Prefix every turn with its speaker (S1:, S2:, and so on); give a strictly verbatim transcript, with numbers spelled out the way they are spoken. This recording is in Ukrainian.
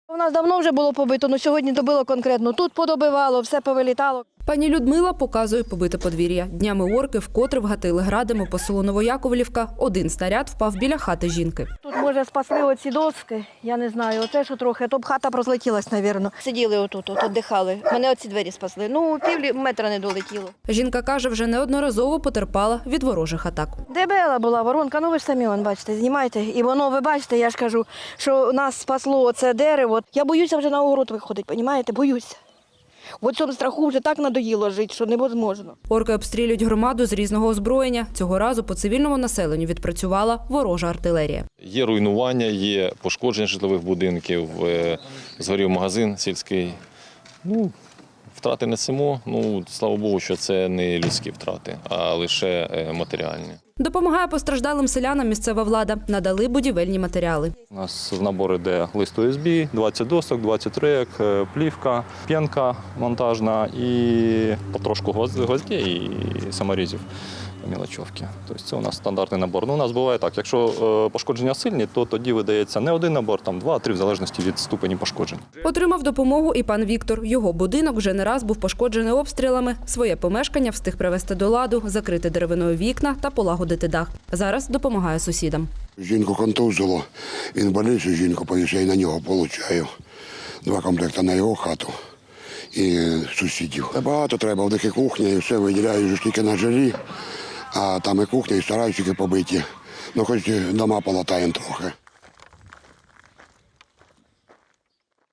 S1: У нас давно вже було побито, але сьогодні добило конкретно. Тут подобивало, все повилітало.
S2: Пані Людмила показує побите подвір'я. Днями орки вкотре вгатили градами по селу Новояковлівка. Один снаряд впав біля хати жінки.
S1: Тут, може, спасли оці доски, я не знаю, оце що трохи, то б хата розлетілась, мабуть. Сиділи отут, от, віддихали. Мене оці двері спасли. Ну, пів метра не долетіло.
S2: Жінка каже, вже неодноразово потерпала від ворожих атак.
S1: Дебела була воронка, ну ви ж самі, вон, бачите, знімайте. І воно, ви бачите, я ж кажу, що нас спасло оце дерево. Я боюся вже на огород виходити, розумієте, боюся. В цьому страху вже так надоїло жити, що невозможно.
S2: Орки обстрілюють громаду з різного озброєння. Цього разу по цивільному населенню відпрацювала ворожа артилерія.
S3: Є руйнування, є пошкодження житлових будинків, згорів магазин сільський. Ну, втрати несемо. Ну, слава Богу, що це не людські втрати, а лише матеріальні.
S2: Допомагає постраждалим селянам місцева влада. Надали будівельні матеріали.
S4: У нас в набор йде лист О С Б, двадцять досок, двадцять рейок, плівка, п'янка монтажна і потрошку гвоздей і саморізів, мілочовки. Тобто це у нас стандартний набор. Ну, у нас буває так, якщо пошкодження сильні, то тоді видається не один набор, там два-три, в залежності від ступені пошкоджень.
S2: Отримав допомогу і пан Віктор. Його будинок вже не раз був пошкоджений обстрілами. Своє помешкання встиг привести до ладу, закрити деревиною вікна та полагодити дах. Зараз допомагає сусідам.
S5: Жінку контузило, він больницю, жінку повісив, на нього получаю. Два комплекти на його хату і сусідів. Багато треба, в таких кухня, і все виділяю ж тільки на жилі, а там і кухня, і стараюсь тільки побиті. Ну, хоч дома полатаємо трохи.